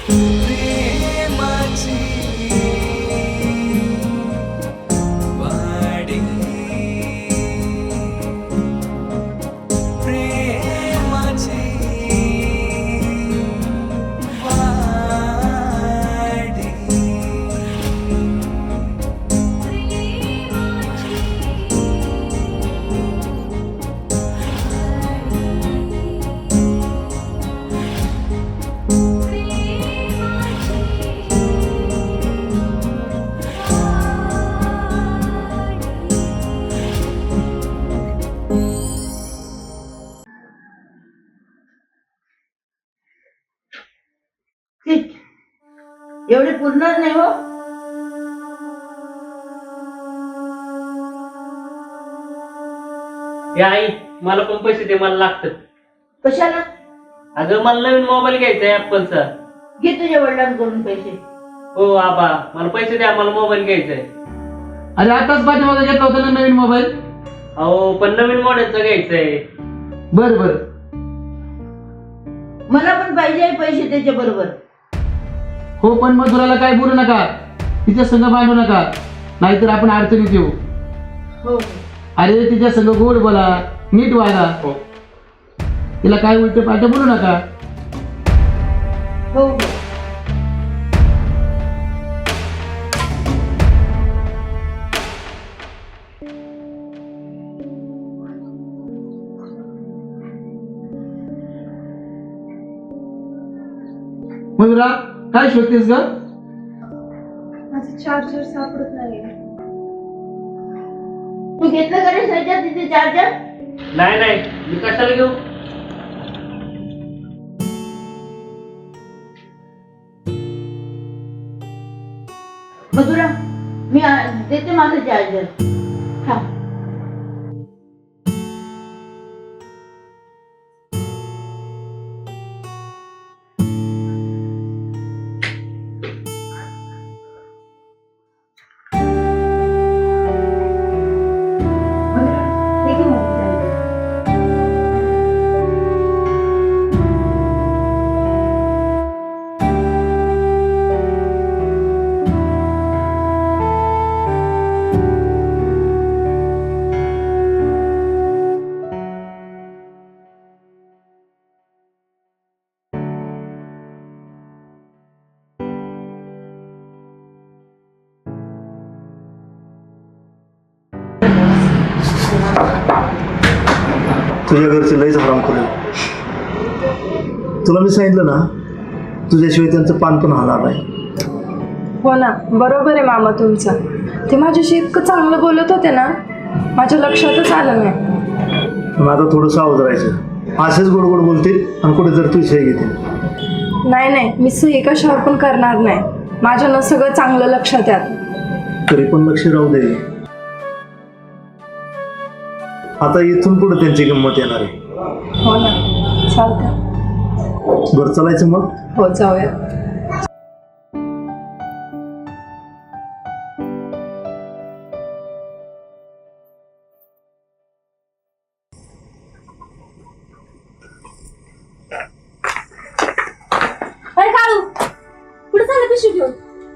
एवढे पूर्णच नाही हो. आई मला पण पैसे दे, मला लागतात. कशाला? अगं मला नवीन मोबाईल घ्यायचा आहे ऍपलचा. घे तुझ्या वडिलांकडून पैसे. हो आबा, मला पैसे द्या, मला मोबाईल घ्यायचा आहे. अरे आताच पाठीमागे घेतला होता ना नवीन मोबाईल. अहो पण नवीन मॉडेलचा घ्यायचा आहे. बर बर, मला पण पाहिजे पैसे त्याच्या बरोबर. हो पण मधुराला काय बोलू नका, तिच्या संग भांडू नका, नाहीतर आपण अडचणीत येऊ. हो अरे तिच्या संग गोड बोला, नीट वागा. हो तिला काय उलट पालट बोलू नका. हो. मधुरा काय शोधतेस ग? माझं चार्जर सापडत नाहीये. तू घेतलं का रे सध्या तिथे चार्जर? नाही नाही, मी कशाला घेऊ. मधुरा मी देते माझं चार्जर. हा तुझ्या घरचे लईच हराम करेल. तुला मी सांगितलं ना, तुझ्याशिवाय त्यांचं पान पण हालणार नाही. हो ना, बरोबर आहे मामा तुमचं. ते माझ्याशी इतकं चांगलं बोलत होते ना, माझ्या लक्षातच आलं नाही. पण आता थोडं सावध राहायचं. असेच गोड गोड बोलतील आणि कुठे जर तू सही घेतील. नाही नाही, मी सही कशावर पण करणार नाही. माझ्यानं सगळं चांगलं लक्षात आहे. तरी पण लक्ष राहू दे. आता इथून पुढे त्यांची गंमत येणार आहे. हो ना, चालतं. बरं चालायचं मग. हो जाऊया. अरे काळू, कुठे चाललं पिशवी घेऊन?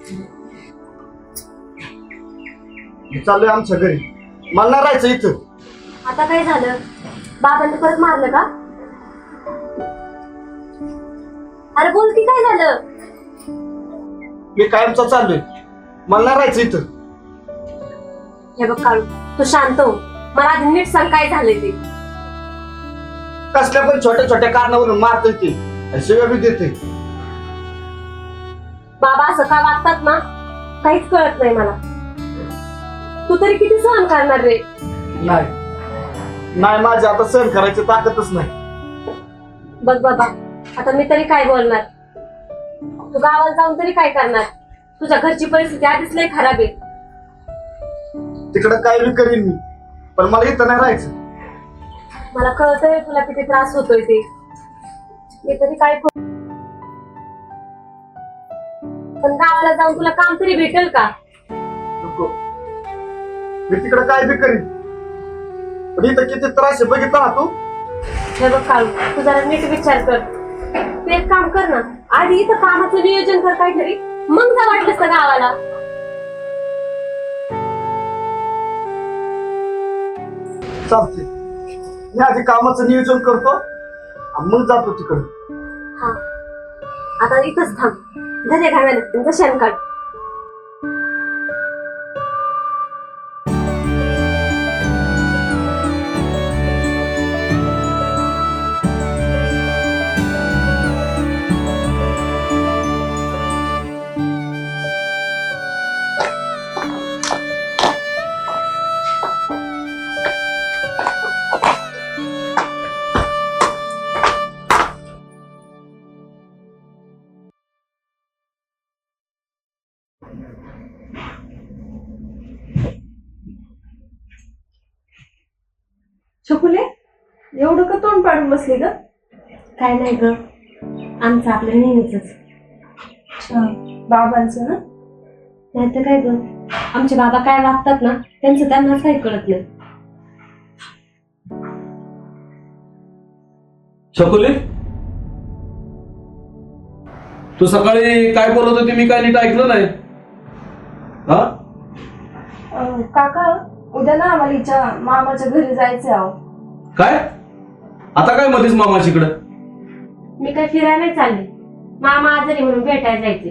चाललोय आमच्या घरी. मला नाही राहायचं इथं. आता काय झालं? बाबांनी परत मारलं का? अरे बोल की, काय झालं? मी कायमचा चाललोय. मला नाही राहायचं इथं. हे बघ काळू, तू शांत हो. मला आधी नीट सांग काय झालंय ते. कसल्या पण छोट्या छोट्या कारणावरून मारतोय ती, शिव्या बी देते. बाबा असं का वागतात ना, काहीच कळत नाही मला. तू तरी किती सहन करणार रे? नाही नाही, माझी आता सहन करायची ताकदच नाही. बघ बाबा, आता मी तरी काय बोलणार? तू गावाला जाऊन तरी काय करणार? तुझ्या घरची परिस्थिती आधीच लय खराब आहे. तिकडं काय बी करीन मी, पण मला इथं नाही राहायचं. मला कळतंय तुला किती त्रास होतोय ते. मी तरी काय करू? पण गावाला जाऊन तुला काम तरी भेटेल का? नको, मी तिकडं काय बी करीन, पण इथं किती त्रास आहे बघितला ना तू. हे बघ काळू, तू जरा नीट विचार कर. तू एक काम कर ना, आधी इथं कामाचं नियोजन कर काहीतरी, मग जा वाटलंस तर गावाला. चालते. मी आधी कामाचं नियोजन करतो आणि मग जातो तिकडे. हा, आता इथंच थांब. धने घालायला तुमचं शेण काढ. छकुले, एवढं का तोंड पाडून बसली ग? काय नाही ग, आमचं आपलं नेहमीच. अच्छा, बाबांचं ना? नाही तर काय ग, आमचे बाबा काय वागतात ना त्यांचं त्यांनाच काही कळत नाही. छकुले, तू सकाळी काय बोलत होती मी काय नीट ऐकलं नाही. हा, काका, उद्या ना आम्हाला हिच्या मामाच्या घरी जायचंय. आहो, काय आता काय मध्येच मामाशीकडं? मी काय फिरायला नाही चालले, मामा आजारी म्हणून भेटायला जायचे.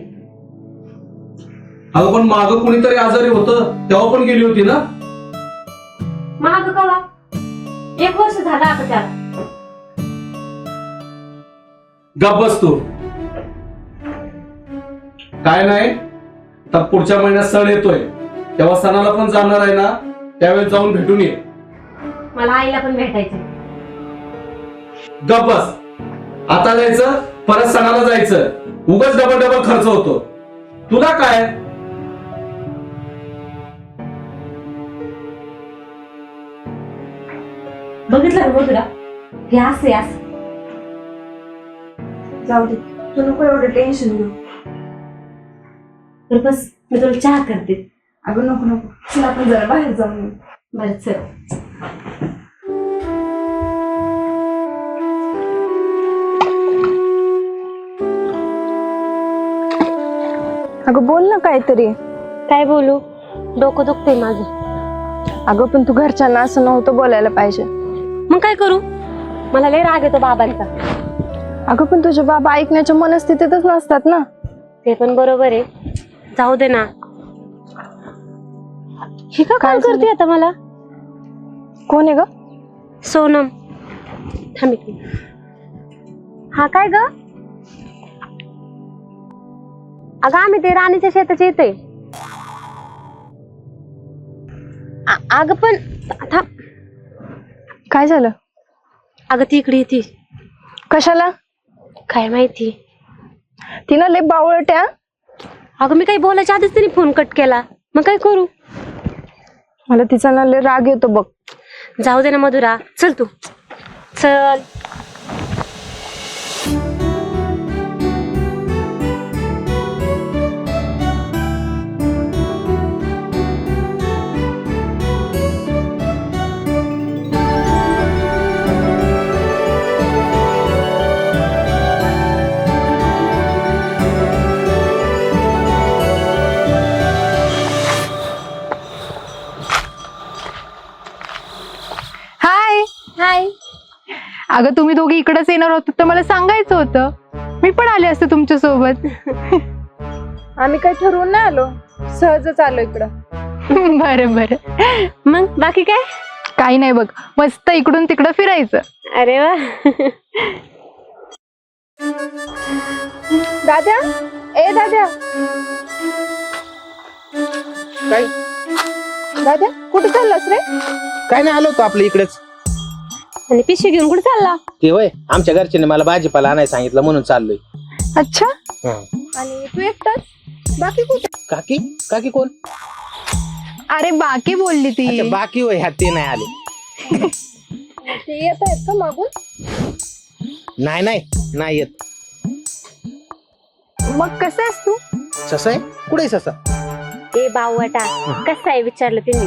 अगं पण माग कोणीतरी आजारी होतं तेव्हा पण गेली होती ना? महाग कवा? 1 वर्ष झालं आता त्याला. गप बस तू. काय नाही, तर पुढच्या महिन्यात सण येतोय तेव्हा सणाला पण जाणार आहे ना, त्यावेळेस जाऊन भेटून ये. मला आईला पण भेटायचं. गप बस. आता जायचं परत सणाला जायचं, उगाच डबल खर्च होतो. तुला काय? बघितलं ना तुला, हे असं असं. जाऊ दे, तू नको एवढं टेन्शन घेऊ. तर बस, मी तुला चहा करते. अगं नको नको, चल आपण जरा बाहेर जाऊन येऊ. बरं चल. अगं बोल ना काहीतरी. काय बोलू, डोकं दुखतंय माझं. अगं पण तू घरच्यांना असं नव्हतं बोलायला पाहिजे. मग काय करू, मला लय राग येतो बाबांचा. अगं पण तुझे बाबा ऐकण्याच्या मनस्थितीतच नसतात ना. ते पण बरोबर आहे, जाऊ दे ना. ही का काय करते आता मला? कोण आहे ग? सोनम. थांब एक मिनिट. हा काय ग? अगं आम्ही ते राणीच्या शेताचे येते. अगं पण थांब. काय झालं? अगं ती इकडे येते. कशाला? काय माहिती, तिनं लय बावळट आहे. अगं मी काही बोलायच्या आधीच तिने फोन कट केला, मग काय करू? मला तिचा ना लय राग येतो बघ. जाऊ दे ना मधुरा, चल तू चल. हाय. अगं तुम्ही दोघी इकडेच येणार होतात तर मला सांगायचं होतं, मी पण आले असते तुमच्या सोबत. आम्ही काही ठरवून नाही आलो, सहजच आलो इकडं. बरं बरं. मग बाकी काय? काही नाही बघ, मस्त इकडून तिकडं फिरायचं. अरे वा. दाद्या, ए दाद्या. काय दाद्या, कुठे चाललास रे? काय नाही, आलो होतो आपल्या इकडेच. आणि पिशवी घेऊन कुठे चालला? ते वय आमच्या घरच्याने मला भाजीपाला आणायला सांगितलं म्हणून चाललोय. अच्छा, हा. आणि तू एकटाच? बाकी कुठे? काकी काकी कोण? अरे बाकी बोलली ती. अच्छा, बाकी होय, ह्या ते नाही आले. ते येत आहेत का मागून? नाही नाही नाही येत. मग कसं आहेस तू? ससा आहे? कुठे ससा? ए बावटा, कसं आहे विचारलं त्यांनी.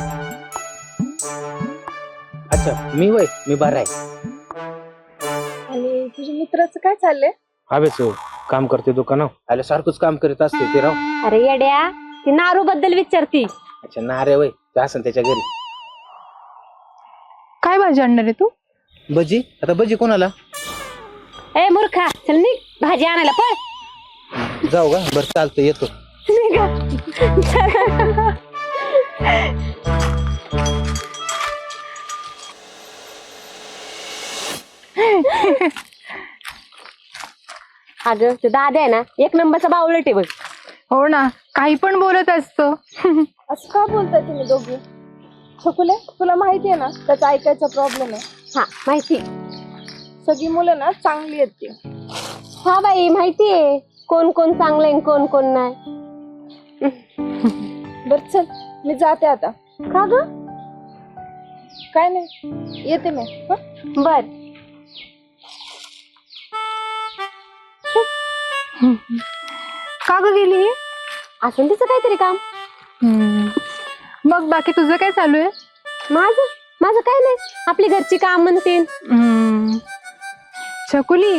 अच्छा, मी होय, मी बरा आहे. आणि तुझ्या मित्राचं काय चाललंय? हवेच काम करते दुकानावर आल्या सारखंच काम करत असते ते राव. अरे येड्या, ती नारू बद्दल विचारती. अच्छा ना रे वय ते असं त्याच्या घरी. काय भाजी आणणार आहे तू? भजी? आता भजी कोणाला? ए मूर्खा, चल निघ भाजी आणायला पळ. जाऊ का? बरं चालतं येतो. अगं ते दादा आहे ना, एक नंबरचा बावळट आहे बघ. हो ना, काही पण बोलत असतो. असं का बोलताय तुम्ही दोघी? छकुले, तुला माहिती आहे ना त्याचा ऐकायचा प्रॉब्लेम आहे. हा माहिती. सगळी मुलं ना चांगली आहेत ती. हा बाई माहितीये कोण कोण चांगलं आहे कोण कोण नाही. बर चल, मी जाते आता. का ग? काय नाही, येते मी. हं? बर. का ग गेली? असं तिचं काहीतरी काम. मग बाकी तुझं काय चालू आहे? माझं माझं काय नाही, आपली घरची काम म्हणते. छकुली,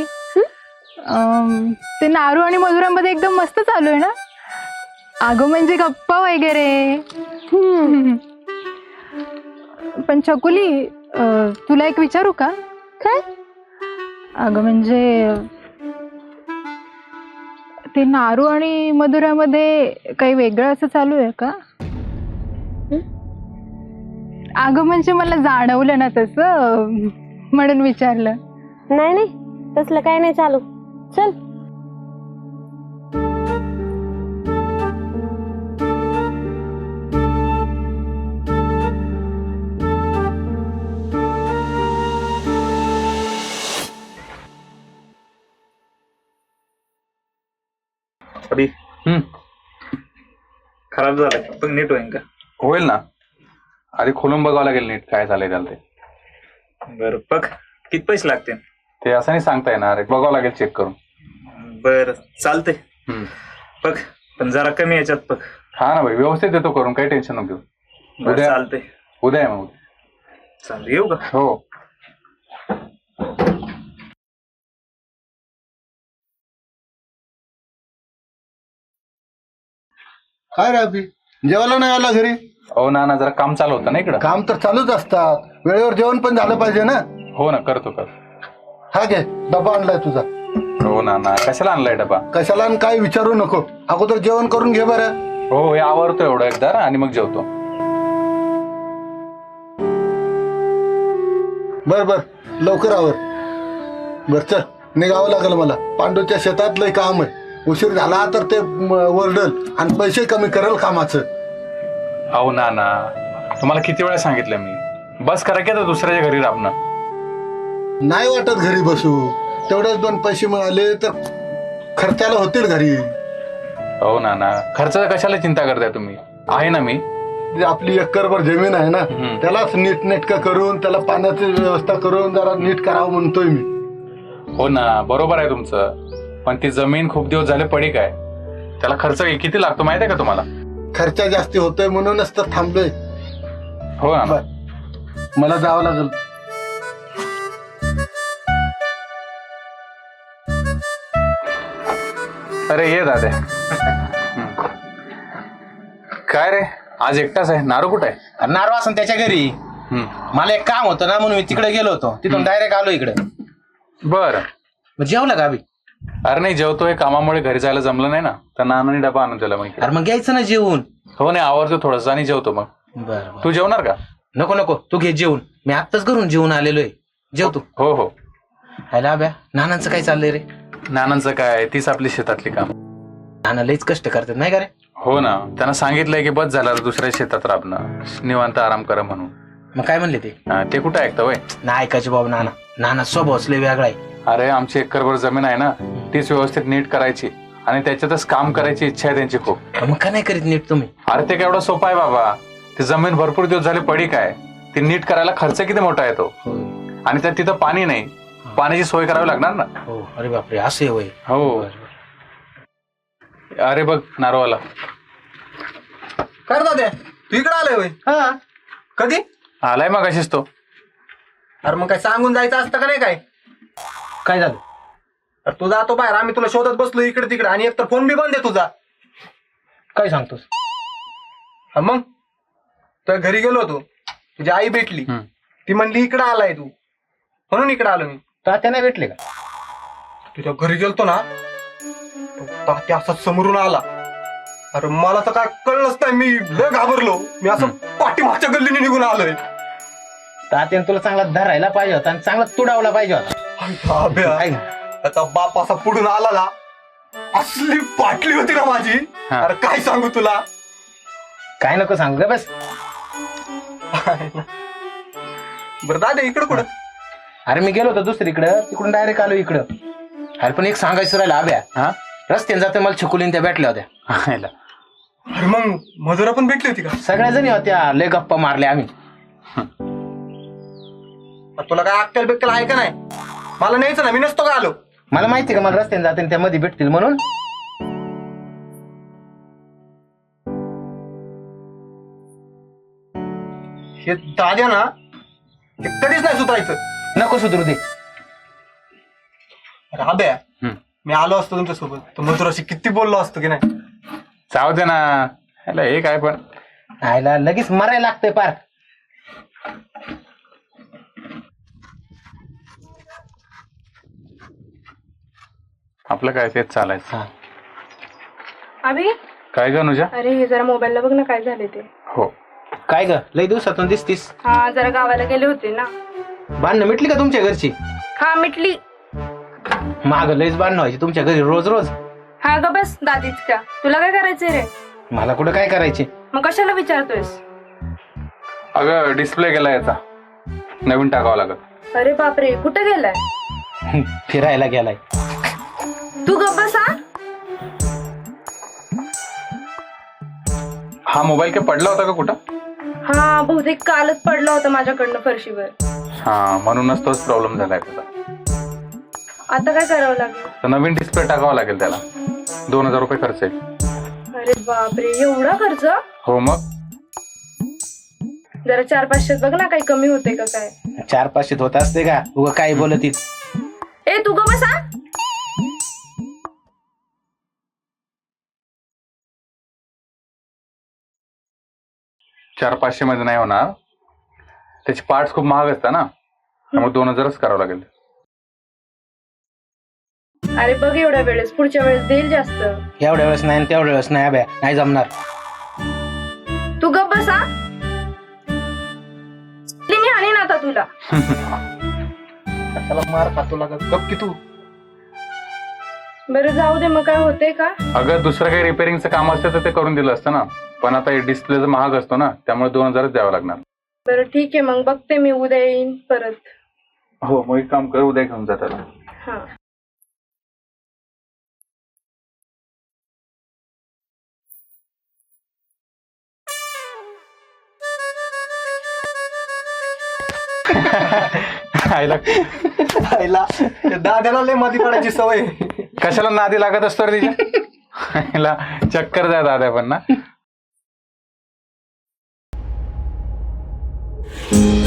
ते नारू आणि मधुरामध्ये एकदम मस्त चालू आहे ना? अगं म्हणजे गप्पा वगैरे. पण छकुली, तुला एक विचारू का? काय? अगं म्हणजे ते नारू आणि मधुरामध्ये काही वेगळं असं चालू आहे का? अगं म्हणजे मला जाणवलं ना तसं, म्हणून विचारलं. नाही नाही, तसलं काय नाही चालू. चल. अभी खराब झालं पण नीट होईल का? होईल ना, आधी खोलून बघावं लागेल नीट काय झालंय त्याला. ते बरं बघ, किती पैसे लागतील? ते असं नाही सांगता येणार, बघावं लागेल चेक करून. बर चालतंय. बघ पण जरा कमी याच्यात बघ. हा ना भाई, व्यवस्थित येतो करून, काही टेन्शन नको घेऊ. बरं चालतंय. उद्या आहे मग. चालतं, येऊ का? हो. काय रे अभि, जेवायला नाही आला घरी? हो ना, जरा काम चालू होतं ना इकडं. काम तर चालूच असतात, वेळेवर जेवण पण झालं पाहिजे ना. हो ना, करतो. हा घे, डबा आणलाय तुझा. हो ना, कशाला आणलाय डबा? कशाला आणि काय विचारू नको, अगोदर जेवण करून घे बरं. हो, हे आवरतो एवढं एकदा आणि मग जेवतो. बर लवकर आवर. बर चल, निघावं लागेल मला. पांडूच्या शेतात लय काम आहे, उशीर झाला तर ते वरडल आणि पैसे कमी करेल कामाचं. हो ना, तुम्हाला किती वेळा सांगितलं मी, बस करा की आता दुसऱ्याच्या घरी राबणं. नाही वाटत घरी बसू, तेवढेच 2 पैसे मिळाले तर खर्चाला होतील घरी. हो ना, खर्चाचा कशाला चिंता करताय तुम्ही? आहे ना मी. आपली एकरभर जमीन आहे ना, त्यालाच नीटनेटकं करून त्याला पाण्याची व्यवस्था करून जरा नीट करावं म्हणतोय मी. हो ना, बरोबर आहे तुमचं, पण ती जमीन खूप दिवस झाले पडीक आहे, त्याला खर्च किती लागतो माहिती आहे का तुम्हाला? खर्च जास्ती होतोय म्हणूनच तर थांबलोय. हो ना. मला जावं लागेल. अरे ये दादा. काय रे, आज एकटाच आहे? नारू कुठे आहे? नारू असं त्याच्या घरी. मला एक काम होतं ना, म्हणून मी तिकडे गेलो होतो, तिथून डायरेक्ट आलो इकडे. बर, जेवला का अभि? अरे नाही जेवतोय, कामामुळे घरी जायला जमलं नाही ना, तर नानाने डबा आणून दिला मग. अरे मग घ्यायचं ना जेवून. हो नाही, आवडतो थोडंसं आणि जेवतो मग. बरं तू जेवणार का? नको तू घे जेवून, मी आत्ताच घरून जेवून आलेलोय. जेवतो. हो. हायला अभ्या, नानांचं काय चाललंय रे? नानांचं काय, तीच आपली शेतातली काम. नाना लईच कष्ट करतात नाही का रे? हो ना, त्यांना सांगितलंय की बस झालं दुसऱ्या शेतात राबणं, निवांत आराम करा म्हणून. मग काय म्हणले ते? ते कुठं ऐकतं वय? नाही ऐकायचे बाबा. नाना स्वभावच लय वेगळा आहे. अरे आमची एकरभर जमीन आहे ना, तीच व्यवस्थित नीट करायची आणि त्याच्यातच काम करायची इच्छा आहे त्यांची खूप. मग काय नाही करीत नीट तुम्ही? अरे ते केवढं सोपं आहे बाबा, ती जमीन भरपूर दिवस झाले पडीक आहे, ती नीट करायला खर्च किती मोठा येतो. आणि त्यात तिथं पाणी नाही, पाण्याची सोय करावी लागणार ना. हो. अरे बापरे, असे होय. हो. अरे बघ नारोवाला. कर दादा, तू इकडे आलाय होय? हा. कधी आलाय मग अशीच तो. अरे मग काय सांगून जायचं असतं का नाही? काय झालं? अरे तू जातो बाहेर, आम्ही तुला शोधत बसलो इकडे तिकडे, आणि एकतर फोन बी बंद आहे तुझा. काय सांगतोस? हा मग तुझ्या घरी गेलो होतो, तुझी आई भेटली, ती म्हणली इकडे आलाय तू, म्हणून इकडे आलो मी. तात्या नाही भेटले का? तुझ्या घरी गेलतो ना, तात्या असा समोरून आला. अरे मला तर काय कळलंच नाही, मी लय घाबरलो. मी असं पाठीमागच्या गल्लीने निघून आलोय. तात्याने तुला चांगला धरायला पाहिजे होता आणि चांगला तुडावला पाहिजे होता. आता बाप असा पुढून आला ना, असली पाटली होती ना माझी. अरे काय सांगू तुला. काय नको सांगू का बस. बरं दादा इकडं कुठं? अरे मी गेलो होतो दुसरीकडं, तिकडून डायरेक्ट आलो इकडं. अरे पण एक सांगायचं राहिलं आब्या, हा रस्त्याने जाते मला छकुलीन त्या भेटल्या होत्या. अरे मग मजुरा पण भेटली होती का? सगळ्या जणी होत्या, लय गप्पा मारल्या आम्ही. तुला काय अक्कल बिक्कल आहे का नाही? मला न्यायचं ना, मी नसतो का आलो. मला माहिती का मला रस्त्याने जाते त्या मध्ये भेटतील म्हणून. हे दाद्या ना, हे कधीच नाही सुधारायचं. नको सुधरू दे. राब्या, मी आलो असतो तुमच्यासोबत तर मजुराशी किती बोललो असतो की नाही. जाऊ दे ना, हे काय पण आयला लगेच मरायला लागतंय पार. आपलं काय तेच चालायचं. अभि, काय ग अनुजा? अरे हे जरा मोबाईलला बघ ना काय झाले ते. हो. काय ग लय दिवसातून दिसतीस. हा जरा गावाला गेले होते ना. बांधणं मिटली का तुमच्या घरची? हा मिटली. माग लयच बांधणं व्हायची तुमच्या घरी रोज रोज. हा ग बस दादीच का, तुला काय करायचंय रे? मला कुठं काय करायचे. मग कशाला विचारतोयस? अगं डिस्प्ले गेला याचा, नवीन टाकावा लागत. अरे बापरे, कुठे गेलाय? फिरायला गेलाय. तू गप्प बस. हा मोबाईल काय पडला होता का कुठं? हा बहुतेक कालच पडला होता माझ्याकडनं फरशीवर. हा म्हणूनच तोच प्रॉब्लेम झालाय त्याचा. आता काय करावं लागेल? तर नवीन डिस्प्ले टाकावा लागेल त्याला. 2000 रुपये खर्च येईल. अरे बापरे, एवढा खर्च? हो मग. जरा 400-500 बघ ना, काही कमी होते का काय? 400-500 होत असते का? उगा काय बोलतीस. ए तू ग बसा. 400-500 मध्ये नाही होणार, त्याचे पार्ट्स खूप महाग असतात ना, त्यामुळे 2000च करावं लागेल. अरे बघ एवढ्या वेळेस, पुढच्या वेळेस देईल जास्त. एवढ्या वेळेस नाही तेवढ्या वेळेस नाही अभ्या, नाही जमणार. तू गप बसा. मी आणीन आता तुला. कशाला मार खातो लागत, गप की तू. बरं जाऊ दे, मग काय होते का? अगं दुसरं काही रिपेअरिंगचं काम असतं तर ते करून दिलं असतं ना, पण आता हे डिस्प्लेचं महाग असतो ना, त्यामुळे 2000च द्यावं लागणार. बरं ठीक आहे, मग बघते मी, उद्या येईन परत. हो मग एक काम कर, उद्या घेऊन जा त्याला. हा. दादाला लय मध्ये पडायची सवय. कशाला नादी लागत असतो रे तिच्या. चक्कर जाय दादा पण ना.